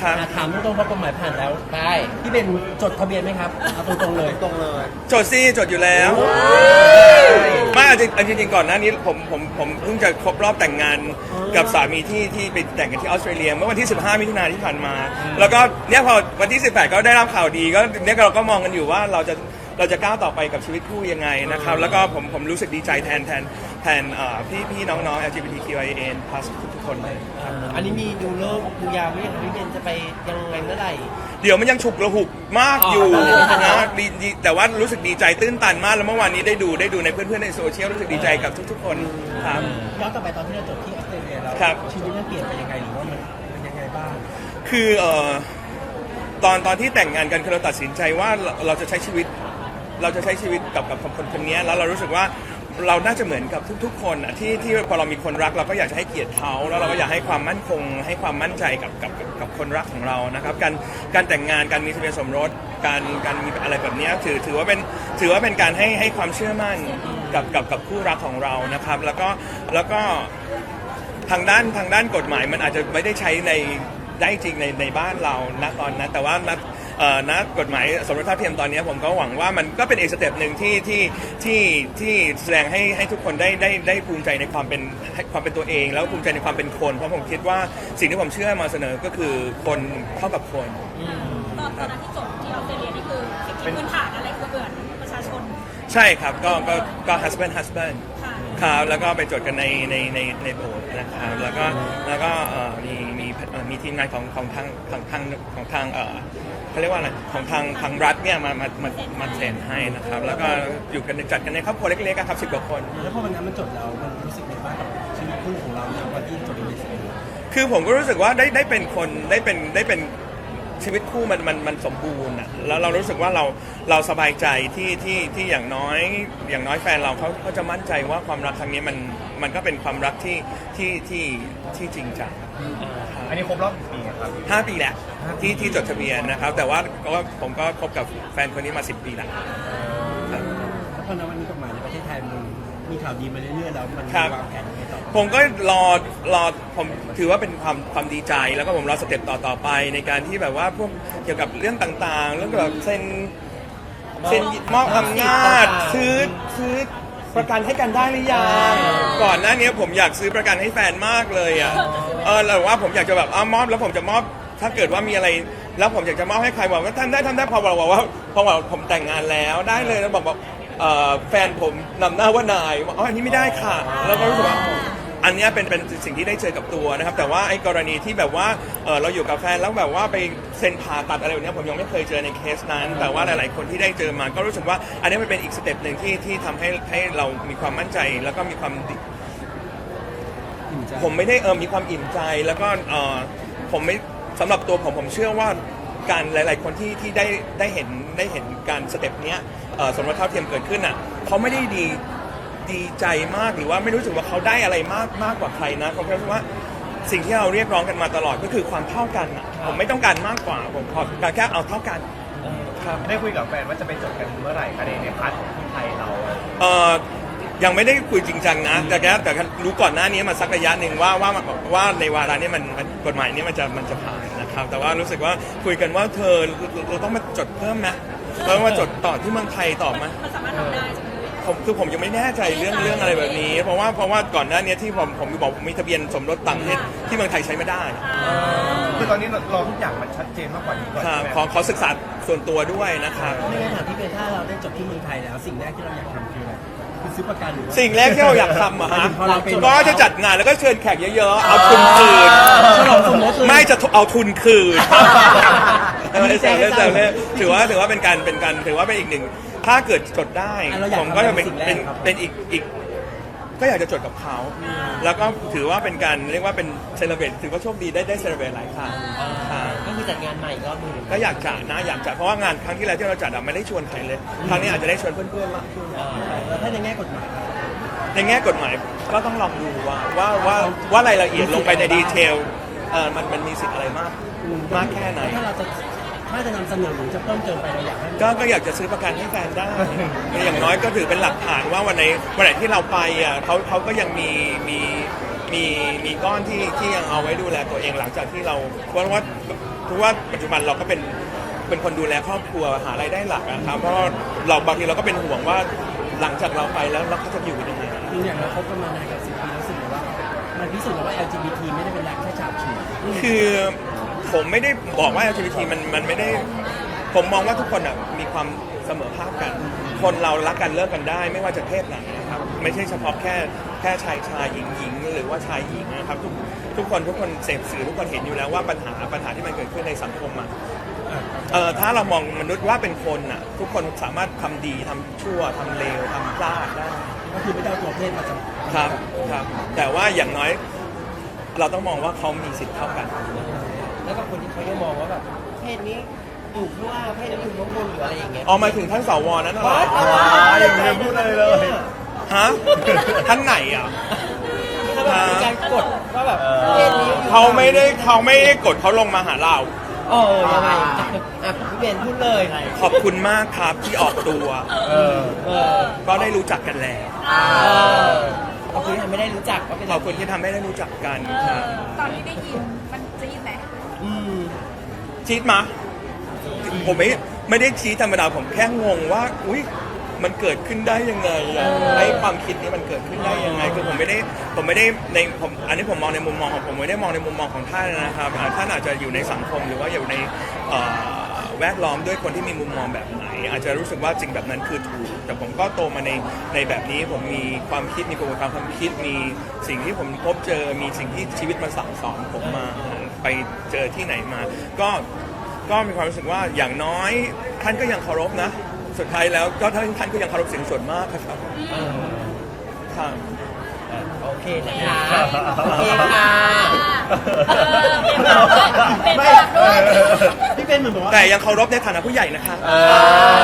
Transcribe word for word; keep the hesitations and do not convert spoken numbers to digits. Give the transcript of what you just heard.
ครับถามตรงๆพอกฎหมายผ่านแล้วได้พี่เบนจดทะเบียนไหมครับเอาตรงๆเลยตรงเลยจดซี่จดอยู่แล้วไม่จริงจริงๆก่อนหน้านี้ผมผมผมเพิ่งจะครบรอบแต่งงานกับสามีที่ที่ไปแต่งกันที่ออสเตรเลียเมื่อวันที่สิบห้ามิถุนายนที่ผ่านมา แล้วก็เนี่ยพอวันที่สิบแปดก็ได้รับข่าวดีก็เนี่ยเราก็มองกันอยู่ว่าเราจะเราจะก้าวต่อไปกับชีวิตคู่ยังไงนะครับแล้วก็ผมผมรู้สึกดีใจแทนแทนแทนพี่พี่น้องๆ แอล จี บี ที คิว ไอ เอ็น plus ทุกๆคนเลยอันนี้มีดูเลิกดูยามไหมพี่เบนจะไปยังไงเมื่อไหร่เดี๋ยวมันยังฉุกระหุกมากอยู่อ๋อนะดีดีแต่ว่ารู้สึกดีใจตื้นตันมากแล้วเมื่อวานนี้ได้ดูได้ดูในเพื่อนๆในโซเชียลรู้สึกดีใจกับทุกๆคนครับย้อนกลับไปตอนที่เราจบที่ออสเตรเลียแล้วครับชีวิตมันเปลี่ยนไปยังไงหรือว่ามันเป็นยังไงบ้างคือเอ่อตอนตอนที่แต่งงานกันคือเราตัดสินใจว่าเราเราจะใช้ชีวิต เราจะใช้ชีวิตกับกับคนคนนี้แล้วเรารู้สึกว่าเราน่าจะเหมือนกับทุกๆคนอะที่ที่พอเรามีคนรักเราก็อยากจะให้เกียรติเขาแล้วเราก็อยากให้ความมั่นคงให้ความมั่นใจกับกับกับกับคนรักของเรานะครับการการแต่งงานการมีทะเบียนสมรสการการมีอะไรแบบนี้ถือถือว่าเป็นถือว่าเป็นการให้ให้ความเชื่อมั่นกับกับกับคู่รักของเรานะครับแล้วก็แล้วก็ทางด้านทางด้านกฎหมายมันอาจจะไม่ได้ใช้ในได้จริงในในบ้านเราณตอนนั้นแต่ว่าณเอ่อณกฎหมายสมรสเท่าเทียมตอนนี้ผมก็หวังว่ามันก็เป็นอีกสเต็ปหนึ่งที่ที่ที่ที่แสดงให้ให้ทุกคนได้ได้ได้ภูมิใจในความเป็นความเป็นตัวเองแล้วภูมิใจในความเป็นคนเพราะผมคิดว่าสิ่งที่ผมเชื่อมาเสนอก็คือคนเท่ากับคนตอนตอนนั้นที่จบที่ออสเตรเลียนี่คือสิทธิพื้นฐานอะไรคือเกิดประชาชนใช่ครับก็ก็ก็ husband husband ค่ะครับแล้วก็ไปจดกันในในในในโบสถ์นะครับแล้วก็แล้วก็เอ่อมีมีเอ่อมีทีมงานของของทางทางทางของทางเอ่อเขาเรียกว่าอะไรของทางทางรัฐเนี่ยมามามามาเซ็นให้นะครับแล้วก็อยู่กันจัดกันในครอบครัวเล็กๆครับสิบกว่าคนแล้วพอวันนั้นมันจบแล้วมันรู้สึกยังไงบ้างกับชีวิตคู่ของเราในวันที่จบในสิ่งนี้คือผมก็รู้สึกว่าได้ได้เป็นคนได้เป็นได้เป็นชีวิตคู่มันมันมันสมบูรณ์อ่ะแล้วเรารู้สึกว่าเราเราสบายใจที่ที่ที่อย่างน้อยอย่างน้อยแฟนเราเขาเขาจะมั่นใจว่าความรักครั้งนี้มันมันก็เป็นความรักที่ที่ที่ที่จริงจังอันนี้ครบรอบกี่ปีครับห้าปีแหละที่ที่จดทะเบียนนะครับแต่ว่าก็ผมก็คบกับแฟนคนนี้มาสิบปีแล้วแล้วพอในวันนี้กฎหมายในประเทศไทยมันมีข่าวดีมาเรื่อยๆแล้วมันครับวางแผนยังไงต่อผมก็รอรอผมถือว่าเป็นความความดีใจแล้วก็ผมรอสเต็ปต่อต่อไปในการที่แบบว่าพวกเกี่ยวกับเรื่องต่างๆ เรื่องแบบเซ็นเซ็นมอบอำนาจซื้อซื้อประกันให้กันได้หรือยังก่อนหน้านี้ผมอยากซื้อประกันให้แฟนมากเลยอ่ะเออแต่ว่าผมอยากจะแบบเอามอบแล้วผมจะมอบถ้าเกิดว่ามีอะไรแล้วผมอยากจะมอบให้ใครบอกว่าท่านได้ทำได้พอบอกว่าพอบอกผมแต่งงานแล้วได้เลยแล้วบอกบอกแฟนผมนำหน้าว่านายอ๋ออันนี้ไม่ได้ค่ะแล้วก็รู้สึกว่าอันนี้เป็นเป็นสิ่งที่ได้เจอกับตัวนะครับแต่ว่าไอ้กรณีที่แบบว่าเออเราอยู่กับแฟนแล้วแบบว่าไปเซ็นผ่าตัดอะไรแบบนี้ผมยังไม่เคยเจอในเคสนั้นแต่ว่าหลายๆคนที่ได้เจอมาก็รู้สึกว่าอันนี้มันเป็นอีกสเต็ปหนึ่งที่ที่ทำให้ให้เรามีความมั่นใจแล้วก็มีความผมไม่ได้เออมีความอิ่มใจแล้วก็เออผมไม่สำหรับตัวผมผมเชื่อว่าการหลาย ๆ คนที่ที่ได้ได้เห็นได้เห็นการสเต็ปเนี้ยสมรสเท่าเทียมเกิดขึ้นอ่ะเขาไม่ได้ดีดีใจมากหรือว่าไม่รู้สึกว่าเขาได้อะไรมากมากกว่าใครนะผมแค่รู้ว่าสิ่งที่เราเรียกร้องกันมาตลอดก็คือความเท่ากันอ่ะผมไม่ต้องการมากกว่าผมขอแค่เอาเท่ากันครับได้คุยกับแฟนว่าจะไปจดกันเมื่อไหร่คะในในพาร์ทของที่ไทยเราเอ่อยังไม่ได้คุยจริงจังนะแต่แค่แต่รู้ก่อนหน้านี้มาสักระยะหนึ่งว่าว่าว่าในวาระนี้มันกฎหมายนี้มันจะมันจะผ่านนะครับแต่ว่ารู้สึกว่าคุยกันว่าเธอเราต้องมาจดเพิ่มไหมเราต้องมาจดต่อที่เมืองไทยต่อไหมมันสามารถทำได้ใช่ไหมผมคือผมยังไม่แน่ใจเรื่องเรื่องอะไรแบบนี้ เพราะว่าเพราะว่าก่อนหน้านี้ที่ผมผมบอกผมมีทะเบียนสมรสต่างประเทศที่เมืองไทยใช้ไม่ได้คือตอนนี้เราทุกอย่างมันชัดเจนมากกว่านี้ก่อนครับใช่ไหมขอขอศึกษาส่วนตัวด้วยนะครับไม่งั้นถามพี่เบนถ้าเราได้จบที่เมืองไทยแล้วสิ่งแรกที่เราอยากทำคืออะไรคือซื้อประกันหรือว่าสิ่งแรกที่เราอยากทำอะฮะพอเราเป็นก็จะจัดงานแล้วก็เชิญแขกเยอะๆเอาทุนคืนฉลองสมรสเลยไม่จะเอาทุนคืนอันนี้แซวเล่นแซแซววเล่เล่นนถือว่าถือว่าเป็นการเป็นการถือว่าเป็นอีกหนึ่งถ้าเกิดจดได้อ่ะเราอยากผมก็จะเป็นทำอะไรเป็นสิ่งแรกครับเป็นอีกอีกก็อยากจะจดกับเขา แล้วก็ถือว่าเป็นการเรียกว่าเป็นเซเลบรตถือว่าโชคดีได้ได้เซเลบรตหลายครั้งครับก็คือจัดงานใหม่อีกรอบหนึงก็อยากจัดนะอยากจัดเพราะว่างานครั้งที่แล้วที่เราจัดอะไม่ได้ชวนใครเลยครั้งนี้อาจจะได้ชวนเพื่อนๆมากขึ้นอ่าแล้วถ้าในแง่กฎหมายครับในแง่กฎหมายก็ต้องลองดูว่าว่าว่าว่ารายละเอียดลงไปในดีเทลเออมันมันมีสิทธิ์อะไรมากมากแค่ไหนถ้าเราจะถ้าจะนำเสนอหรือจะเพิ่มเติมไปเราอยากให้ก็ก็อยากจะซื้อประกันให้แฟนได้ อย่างน้อยก็ถือเป็นหลักฐานว่าวันไหนวันไหนที่เราไปอ่ะเขาเขาก็ยังมีมีมีมีก้อนที่ที่ยังเอาไว้ดูแลตัวเองหลังจากที่เราเพราะว่าทเพราะว่าปัจจุบันเราก็เป็นเป็นคนดูแลครอบครัวหารายได้หลักนะครับเพราะเราบางทีเราก็เป็นห่วงว่าหลังจากเราไปแล้วเราก็จะอยู่กันยังไงคืออย่างเราคบกันมานานกับสิบปีรู้สึกว่ามันพิสูจน์แล้วว่า แอล จี บี ที ไม่ได้เป็นรักแค่ฉาบฉวยคือผมไม่ได้บอกว่า แอล จี บี ที มันมันไม่ได้ผมมองว่าทุกคนอ่ะมีความเสมอภาคกัน คนเรารักกันเลิกกันได้ ไม่ว่าจะเพศไหนนะครับไม่ใช่เฉพาะแค่แค่ชายชายหญิงหญิงหรือว่าชายหญิงนะครับทุกทุกคนทุกคนเสพสื่อทุกคนเห็นอยู่แล้วว่าปัญหาปัญหาที่มันเกิดขึ้นในสังคมอ่ะเออถ้าเรามองมนุษย์ว่าเป็นคนอ่ะทุกคนสามารถทำดีทำชั่วทำเลวทำพลาดได้ก็คือไม่ได้เอาตัวเพศมาจำครับครับแต่ว่าอย่างน้อยเราต้องมองว่าเขามีสิทธิ์เท่ากันแล้วก็คนที่เขายังมองว่าแบบเพศนี้อยู่ข้างล่างเพศนี้อยู่ข้างบนหรืออะไรอย่างเงี้ยออกมาถึงท่านสวนั้นเหรออย่างนี้พูดเลยเลยฮะท่านไหนอ่ะเขาแบบมีการกดว่าแบบเพศนี้อยู่เขาไม่ได้เขาไม่ได้กดเขาลงมาหาเราเออยังไงอ่ะพี่เบนพูดเลยขอบคุณมากครับที่ออกตัวเออเออก็ได้รู้จักกันแล้วเออขอบคุณที่ทำไม่ได้รู้จักก็เป็นขอบคุณที่ทำให้ได้รู้จักกันครับตอนที่ได้ยินมันจี๊ดไหมอืมชีดมาผมไม่ไม่ได้ชี้ธรรมดาผมแค่งงว่าอุ้ยมันเกิดขึ้นได้ยังไงอะไอ้ความคิดนี้มันเกิดขึ้นได้ยังไงคือผมไม่ได้ผมไม่ได้ในผมอันนี้ผมมองในมุมมองของผมไม่ได้มองในมุมมองของท่านนะครับอ่าท่านอาจจะอยู่ในสังคมหรือว่าอยู่ในเอ่อแวดล้อมด้วยคนที่มีมุมมองแบบไหน อาจจะรู้สึกว่าสิ่งแบบนั้นคือถูกแต่ผมก็โตมาในในแบบนี้ผมมีความคิดมีกระบวนการความคิดมีสิ่งที่ผมพบเจอมีสิ่งที่ชีวิตมาสั่งสอนผมมาไปเจอที่ไหนมา ก็ก็มีความรู้สึกว่าอย่างน้อยท่านก็ยังเคารพนะ สุดท้ายแล้วก็ท่านท่านก็ยังเคารพเสียงส่วนมากครับครับโอเคนะคะโอเคค่ะเป็นแบบด้วยพี่เป็นเหมือนบอกว่าแต่ยังเคารพในฐานะผู้ใหญ่นะคะเออ